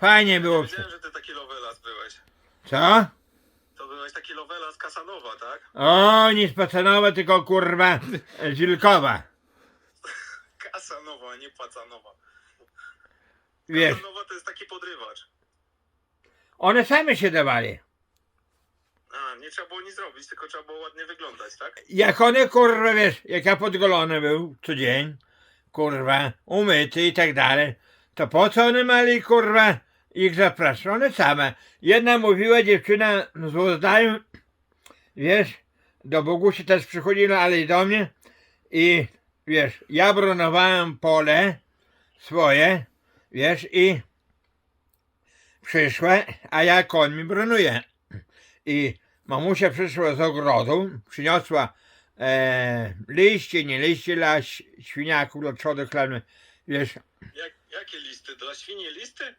Fajnie było. Wiedziałem, że ty taki lovelas byłeś. Co? To byłeś taki lovelas Kasanowa, tak? O, nie z Pacanowa, tylko kurwa Żilkowa. Kasanowa, a nie Pacanowa. Wiesz, Kasanowa to jest taki podrywacz. one same się dawali. A, nie trzeba było nic robić, tylko trzeba było ładnie wyglądać, tak? Jak one kurwa, wiesz, jak ja podgolony był co dzień, kurwa, umyty i tak dalej, to po co one mali kurwa ich zapraszać? One same. Jedna mówiła dziewczyna z Łozdaju, wiesz, do Bogusi też przychodziła, ale i do mnie i wiesz, ja bronowałem pole swoje, wiesz, i przyszła, a ja końmi bronuję. I mamusia przyszła z ogrodu, przyniosła liście, nie liście dla świniaków, dla trzody chlebnej, wiesz, Jakie listy? Dla świni listy?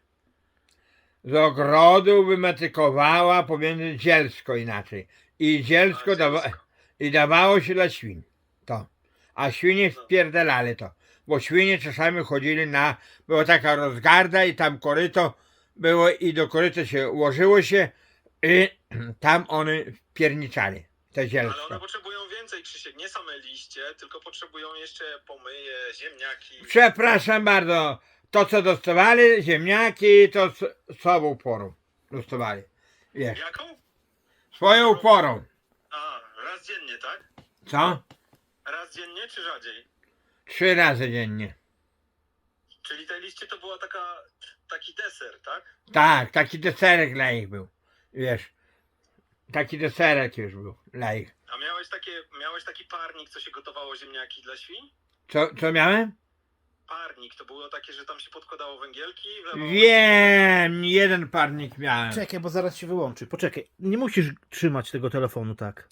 z ogrodu wymetykowała pomiędzy zielsko inaczej. I zielsko i dawało się dla świń. To. A świnie wpierdalali to. Bo świnie czasami chodzili była taka rozgarda i tam koryto było i do koryta się ułożyło się i tam one wpierniczali. Te Ale zielsko. one potrzebują więcej, Krzysiek. Nie same liście, tylko potrzebują jeszcze pomyje, ziemniaki. Przepraszam bardzo. To co dostawali, ziemniaki, to słabą porą dostawali. Wiesz, Jaką? swoją porą. A, raz dziennie, tak? Co? Raz dziennie czy rzadziej? 3 razy dziennie. Czyli te liście to była taki deser, tak? Tak, taki deserek dla ich był. Wiesz, taki deserek już był dla ich. A miałeś taki parnik, co się gotowało ziemniaki dla świń? Co miałem? Parnik, to było takie, że tam się podkładało węgielki i wlewało... Wiem, jeden parnik miałem. Czekaj, bo zaraz się wyłączy. Poczekaj, nie musisz trzymać tego telefonu tak.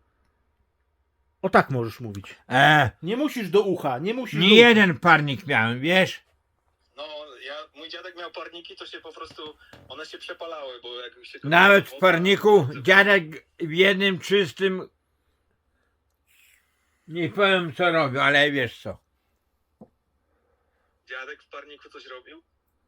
O tak możesz mówić. Nie musisz do ucha, nie musisz do Nie ucha. jeden parnik miałem, wiesz? No, mój dziadek miał parniki, to się po prostu, one się przepalały, bo jak się... Nawet w parniku dziadek w jednym czystym, nie powiem co robił, ale wiesz co. Dziadek w parniku coś robił?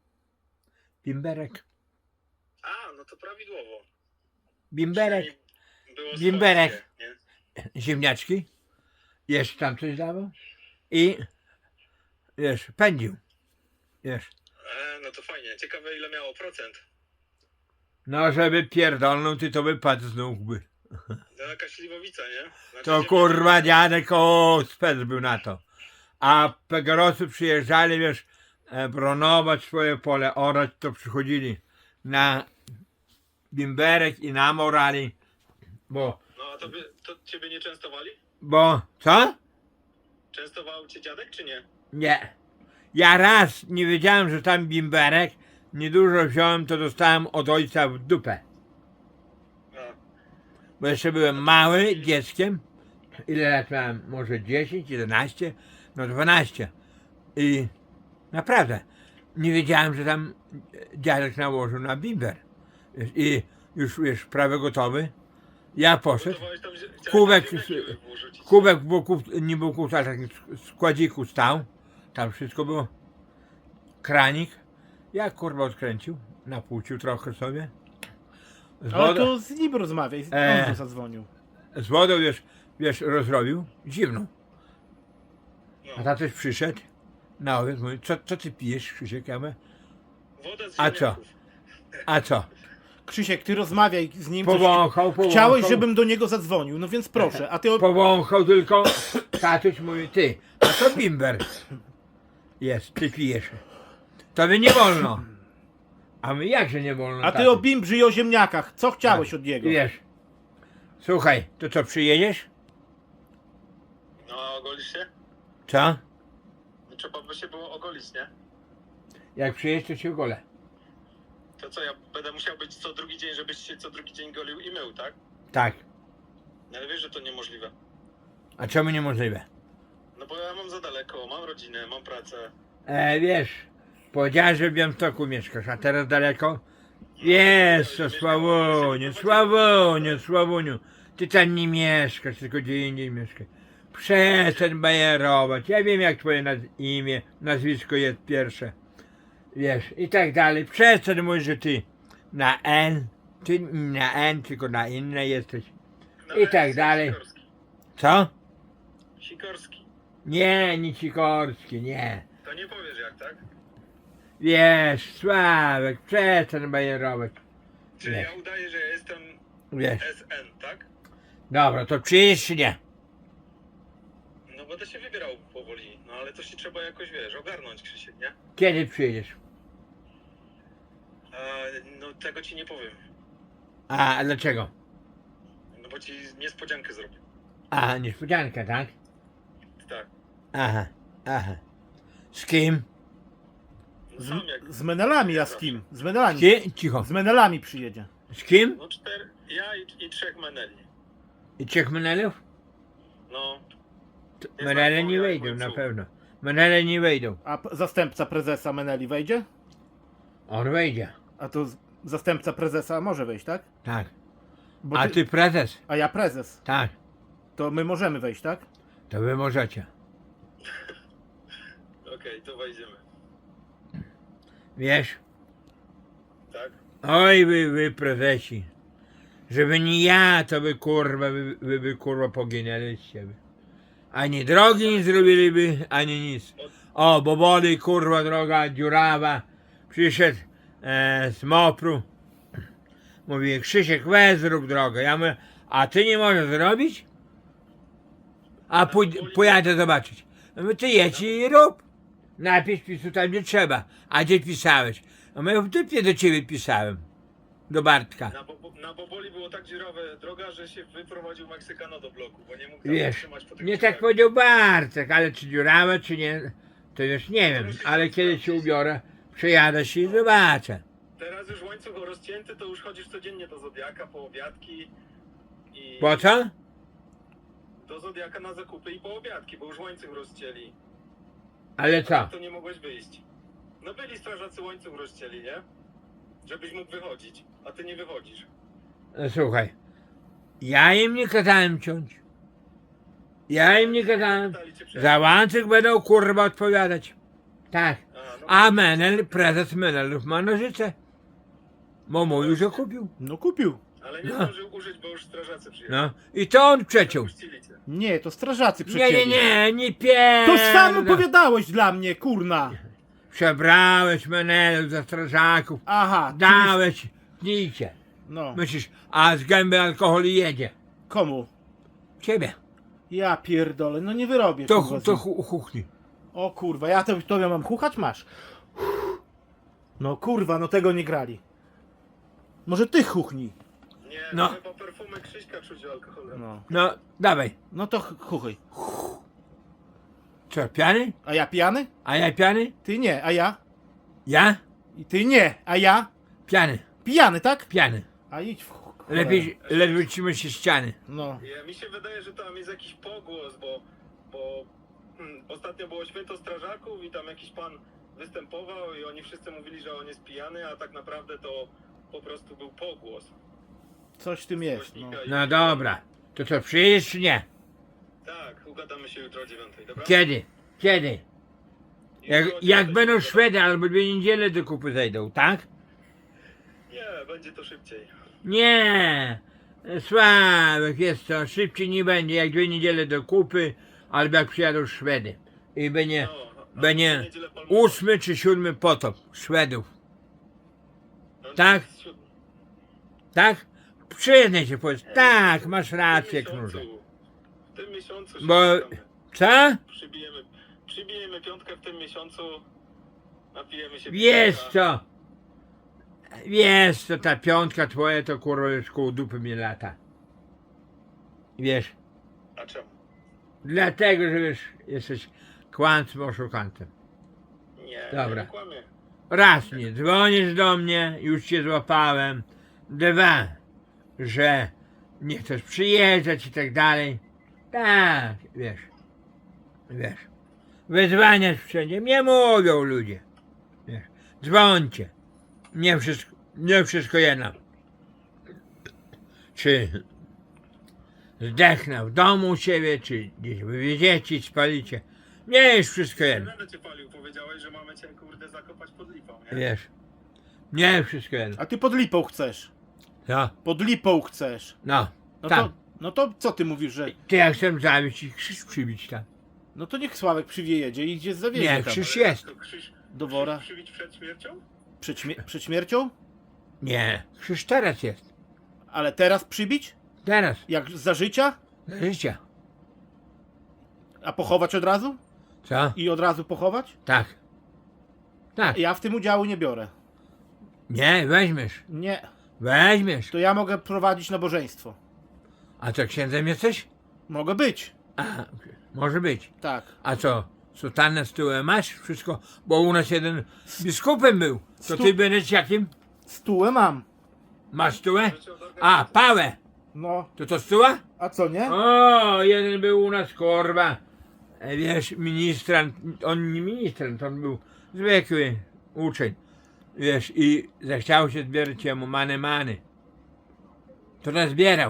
Bimberek, A, no to prawidłowo. bimberek, Przynajmniej było Bimberek. swojskie, nie? ziemniaczki, jeszcze tam coś dawał i wiesz, pędził, wiesz. No to fajnie. Ciekawe ile miało procent. No żeby pierdolnął, ty to wypadł znów by. To jakaś śliwowica, nie? Znaczy, To kurwa dziadek, spec był na to. A Pegorosy przyjeżdżali, wiesz, bronować swoje pole, orać, to przychodzili na bimberek i na morali, No a to ciebie nie częstowali? bo, co? Częstował cię dziadek czy nie? Nie. Ja raz nie wiedziałem, że tam bimberek, niedużo wziąłem, to dostałem od ojca w dupę. A, Bo jeszcze byłem mały, dzieckiem. Ile lat miałem? Może 10, 11, no 12. I naprawdę nie wiedziałem, że tam dziadek nałożył na bimber. Wiesz, i już wiesz, prawie gotowy. Ja poszedł. gotowałeś tam Kubek, włożyć. kubek w boku, nie był kubek, tak w składziku stał. Tam wszystko było. Kranik. Ja kurwa odkręcił, napłucił trochę sobie. Z Ale wodą, to z nim rozmawiaj, on tu zadzwonił. z wodą wiesz, rozrobił, zimną. A No. tatuś przyszedł na obiad, mówi, co ty pijesz, Krzysiek? Ja mówię, Wodę z A co? ziemniaków. a co? Krzysiek, ty rozmawiaj z nim. coś- Powąchał. Chciałeś, żebym do niego zadzwonił, no więc proszę. A ty Powąchał tylko, tatuś mówi, ty, a to bimber jest, ty pijesz. Tobie nie wolno. A my jakże nie wolno, A ty tatuś? o Bimbrzy i o ziemniakach. Co chciałeś od niego? Wiesz, słuchaj, to co, przyjedziesz? No, ogolisz się? Co? No, trzeba by się było ogolić, nie? Jak przyjedziesz, to się ogolę. To co, ja będę musiał być co drugi dzień, żebyś się co drugi dzień golił i mył, tak? Tak. No, ale wiesz, że to niemożliwe. A czemu niemożliwe? No bo ja mam za daleko, mam rodzinę, mam pracę. Wiesz, powiedziałeś, że w Białymstoku mieszkasz, a teraz daleko? Wiesz co, Sławoniu, ty tam nie mieszkasz, tylko gdzie indziej mieszkasz. Przestań bajerować, ja wiem jak twoje imię, nazwisko jest pierwsze. Wiesz, i tak dalej. Przestań mówić, że ty na N, ty na N, tylko na inne jesteś. No, I tak jest dalej. Sikorski. Co? Sikorski. Nie Sikorski, nie. To nie powiesz jak, tak? Wiesz, Sławek, przestań bajerować. Czyli Nie. ja udaję, że ja jestem Wiesz, SN, tak? dobra, to przyjedziesz czy nie? No będę się wybierał powoli, no ale to się trzeba jakoś, wiesz, ogarnąć, Krzysiek, nie? Kiedy przyjedziesz? No tego ci nie powiem, A dlaczego? no bo ci niespodziankę zrobię. A, niespodzianka, tak? Tak. Aha, aha. Z kim? No sam jak... Z Menelami, a z kim? Z Menelami. Cicho. Z Menelami przyjedzie. Z kim? No ja i 3 meneli. I 3 menelów? No. Menele nie jak wejdą, ojcu. na pewno. Menele nie wejdą. A zastępca prezesa Meneli wejdzie? On wejdzie. A to zastępca prezesa może wejść, tak? Tak. Bo A ty prezes? a ja prezes. Tak. To my możemy wejść, tak? To wy możecie. Okej, to wejdziemy. Wiesz? Tak? Oj wy prezesi. Żeby nie ja, to by kurwa, wy kurwa poginęliście. Ani drogi nie zrobiliby, ani nic. O, bo wody kurwa droga dziurawa. Przyszedł z Mopru. Mówi, Krzysiek, weź zrób drogę. Ja mówię, a ty nie możesz zrobić? A pojadę zobaczyć. Ja mówię, ty jedź i rób. Napisz pisu tam gdzie trzeba. A gdzie pisałeś? A mówię, w dupie do ciebie pisałem. Do Bartka. Na Boboli było tak dziurawe droga, że się wyprowadził Meksykano do bloku, bo nie mógł tam Wiesz, wytrzymać po tych nie tak drzewach. powiedział Bartek, ale czy dziurawe, czy nie, to już nie wiem. Ale kiedy się ubiorę, przejadę się i zobaczę. Teraz już łańcuch rozcięty, to już chodzisz codziennie do Zodiaka po obiadki i... Po co? Do Zodiaka na zakupy i po obiadki, bo już łańcuch rozcięli. Ale co? To nie mogłeś wyjść. No byli strażacy, łańcuch rozcięli, nie? Żebyś mógł wychodzić, a ty nie wychodzisz. No, słuchaj, ja im nie kazałem ciąć. Ja im nie kazałem. Dali cię przejechać. Za łańcuch będą kurwa odpowiadać. Tak. No, A Menel, prezes Menelów ma nożyce. Bo mówił, że kupił. No kupił. ale nie no. zdążył użyć, bo już strażacy przyjechali. No. I to on przeciął. Puścili cię. Nie, to strażacy Nie, przecięli. nie pierdol. To sam opowiadałeś dla mnie, kurna. Przebrałeś Menelów za strażaków. Aha. Dałeś nicie. No. Myślisz, a z gęby alkohol jedzie. Komu? Ciebie. Ja pierdolę, no nie wyrobię. To, kurwa, to z- chuchni. O kurwa, ja tobie mam chuchać? Masz. No kurwa, no tego nie grali. Może ty chuchnij. Nie, No. no. Chyba perfumy Krzyśka czuć alkoholem. No. No, dawaj. No to chuchaj. Co, piany? A ja pijany? A ja piany? Ty nie, a ja? Ja? I ty nie, a ja? Piany. Pijany, tak? Piany. A idź w cholera. Lepiej, ledwo trzyma się ściany. No. Mi się wydaje, że tam jest jakiś pogłos, bo ostatnio było święto strażaków i tam jakiś pan występował i oni wszyscy mówili, że on jest pijany, a tak naprawdę to po prostu był pogłos. Coś w tym jest, no. Głośnika i- No dobra. To co, przyjedziesz czy nie? Tak, ugadamy się jutro o 9, dobra? Kiedy? Kiedy? Jak, Jutro o jak 9 będą ugadamy. Szwedy albo 2 niedziele do kupy zejdą, tak? Nie, będzie to szybciej. Nie. Sławek, jest to. Szybciej nie będzie jak 2 niedziele do kupy albo jak przyjadą Szwedy. I będzie, A będzie w niedzielę palmowa. 8 czy 7 potop Szwedów. No, tak? jest 7. Tak? Przyznaj się, powiedz. Tak, masz rację, Knurze. W tym miesiącu się Bo- spotkamy. Co? Przybijemy piątkę w tym miesiącu. Napijemy się Wiesz piwka. co? Wiesz co, ta piątka twoja to kurwa już koło dupy mnie lata. Wiesz, A czemu? dlatego, że wiesz, jesteś kłamcą, oszukantem. Nie, Dobra. nie kłamie. Raz nie dzwonisz do mnie, już cię złapałem. 2, że nie chcesz przyjeżdżać i tak dalej. Tak, wiesz. Wiesz. Wyzwaniasz wszędzie. Mnie mówią ludzie. Wiesz. Dzwońcie. Nie wszystko jedno. Czy zdechnę w domu u siebie, czy gdzieś wywieziecie i spalicie. Nie, już wszystko jedno. Będę cię palił, powiedziałeś, że mamy cię kurde zakopać pod lipą, nie? Wiesz. Nie, wszystko jedno. A ty pod lipą chcesz. Co? Pod lipą chcesz. No, No tam. no to co ty mówisz, że... Ty ja chcę zawieźć i krzyż przybić tam. No to niech Sławek przywieje i gdzie zawiezie Nie, tam. krzyż Ale jest. to Krzyż, Do wora. Krzyż przybić przed śmiercią? Przed śmiercią? Nie, krzyż teraz jest. Ale teraz przybić? Teraz. Jak za życia? Za życia. A pochować od razu? Co? I od razu pochować? Tak. Tak. Ja w tym udziału nie biorę. Nie, weźmiesz. Nie. Weźmiesz. To ja mogę prowadzić nabożeństwo. A co, księdzem jesteś? Mogę być. A, może być. Tak. A co, sutannę z tyłu masz? Wszystko? Bo u nas jeden biskupem był. To Stu- ty będziesz jakim? Stułę mam. Masz stułę? A, pałę. No. To stuła? A co nie? O, jeden był u nas, korba. Wiesz, ministrant, on nie ministrant, on był zwykły uczeń. Wiesz, i zechciał się zbierać jemu many. To nazbierał.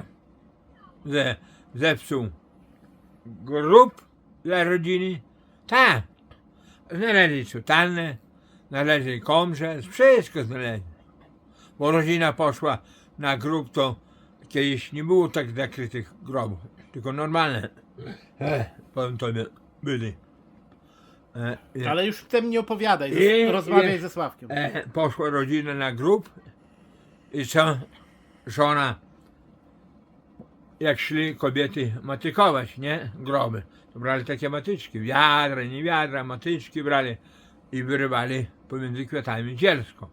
Zepsuł grób dla rodziny. Tak. Znaleźli sutannę, znaleźli komrze, wszystko znaleźli. Bo rodzina poszła na grób, to kiedyś nie było tak zakrytych grobów, tylko normalne. Powiem tobie, byli. Ale już w tym nie opowiadaj. I- Rozmawiaj i- ze Sławkiem. Poszła rodzina na grób i co? Żona, jak szli kobiety matykować, nie? Groby. To brali takie matyczki, wiadra, nie wiadra, matyczki brali i wyrywali pomiędzy kwiatami zielsko.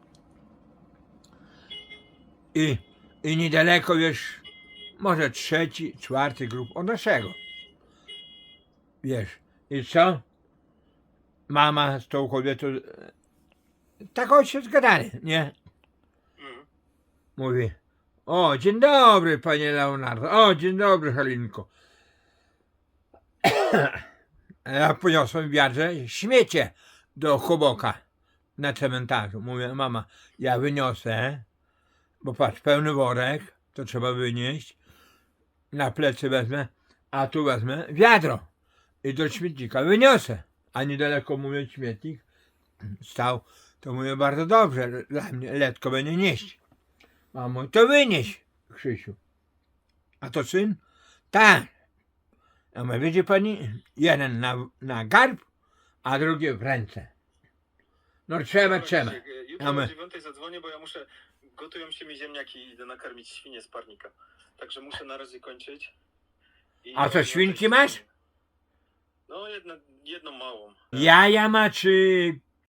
I niedaleko, wiesz, może 3., 4. grób od naszego. Wiesz, i co? Mama z tą kobietą tak się zgadali, nie? Mhm. Mówi, o, dzień dobry, panie Leonardo, o, dzień dobry, Halinko. A ja poniosłem w wiadrze śmiecie do choboka na cmentarzu. Mówię, mama, ja wyniosę, bo patrz, pełny worek, to trzeba wynieść, na plecy wezmę, a tu wezmę wiadro i do śmietnika wyniosę. A niedaleko, mówię, śmietnik stał, to mówię, bardzo dobrze, dla mnie letko będzie nieść. Mamo, to wynieś, Krzysiu. A to syn? Tak. A my, widzi pani, jeden na garb, a drugi w ręce. No trzeba. Jutro A my- o 9 zadzwonię, bo ja muszę, gotują się mi ziemniaki i idę nakarmić świnie z parnika. Także muszę na razie kończyć. A co, świnki masz? No, jedną małą. Jaja ma czy...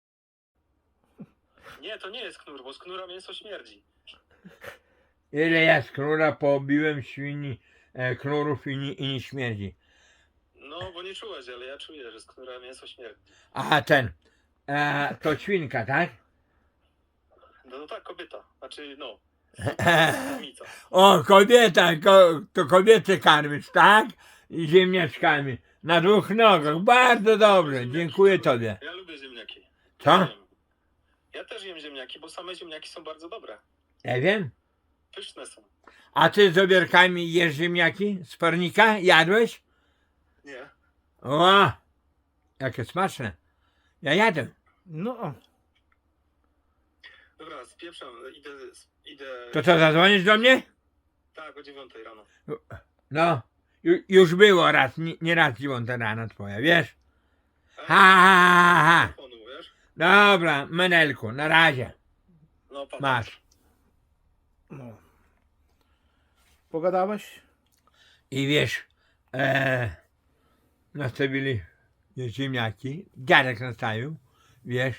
Nie, to nie jest knur, bo z knura mięso śmierdzi. Ile ja z knura pobiłem świni, knurów i nie śmierdzi. No, bo nie czułeś, ale ja czuję, że z knura mięso śmierdzi. A ten, to świnka, tak? No tak, kobieta. Znaczy, no, samica. O, kobieta, to kobiety karmisz, tak? I ziemniaczkami. Na 2 nogach, bardzo dobrze, dziękuję tobie. Ja lubię ziemniaki. Co? Jem. Ja też jem ziemniaki, bo same ziemniaki są bardzo dobre. Ja wiem. Pyszne są. A ty z obierkami jesz ziemniaki z parnika? Jadłeś? Nie. O, jakie smaczne. Ja jadłem. No. Dobra, spieprzam, idę... To co, zadzwonisz do mnie? Tak, o 9 rano. No, już było raz, nie raz 9 rano twoja, wiesz? Ha. Telefonu, wiesz? Dobra, Menelku, na razie. No, pa. Masz. No. Pogadałeś? I wiesz, nastawili ziemniaki, dziadek nastawił, wiesz,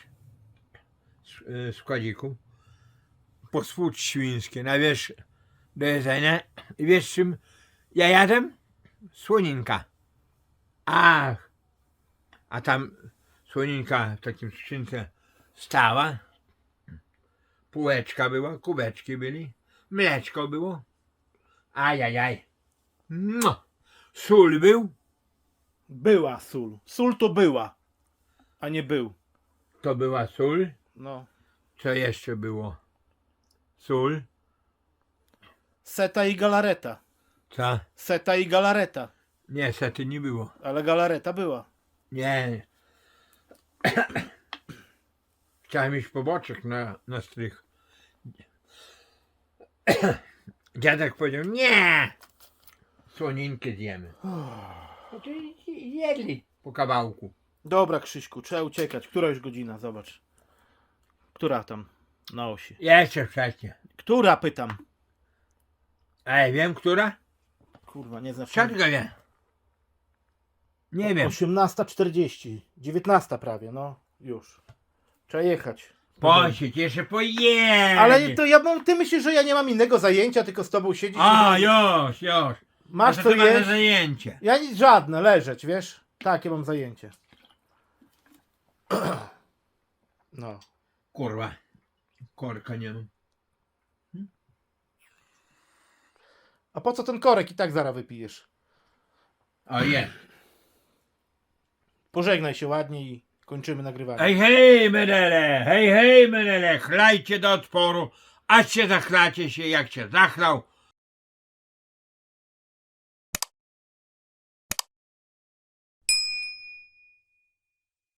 z kładziku, posłód świńskie, na wiesz, do jedzenia. I wiesz czym ja jadłem? Słoninka. Ach, a tam słoninka w takim skrzynce stała, półeczka była, kubeczki byli, mleczko było. Ajajaj. No. Sól był? Była sól. Sól to była, a nie był. To była sól. No. Co jeszcze było? Sól. Seta i galareta. Co? Seta i galareta. Nie, sety nie było. Ale galareta była. Nie. Chciałem iść po boczek na strych. Dziadek powiedział, nie! Słoninkę zjemy. No to jedli po kawałku. Dobra, Krzyśku, trzeba uciekać. Która już godzina? Zobacz. Która tam na osi? Jeszcze wcześniej. Która, pytam. Ej, wiem, która? Kurwa, nie znam. Siatka wie. Nie wiem. 18:40. 19 prawie, no. Już. Trzeba jechać. Posiedź, jeszcze pojedzie. Ale to ja mam, ty myślisz, że ja nie mam innego zajęcia, tylko z tobą siedzieć? A, już. Masz to co ty masz na jeść? zajęcie. Ja nic żadne, leżeć, wiesz? Takie mam zajęcie. No. Kurwa. Korka nie mam. A po co ten korek i tak zaraz wypijesz? O, jest. Pożegnaj się ładnie i kończymy nagrywanie. Hej, menele, chlajcie do odporu, aż się zachlacie się, jak się zachlał,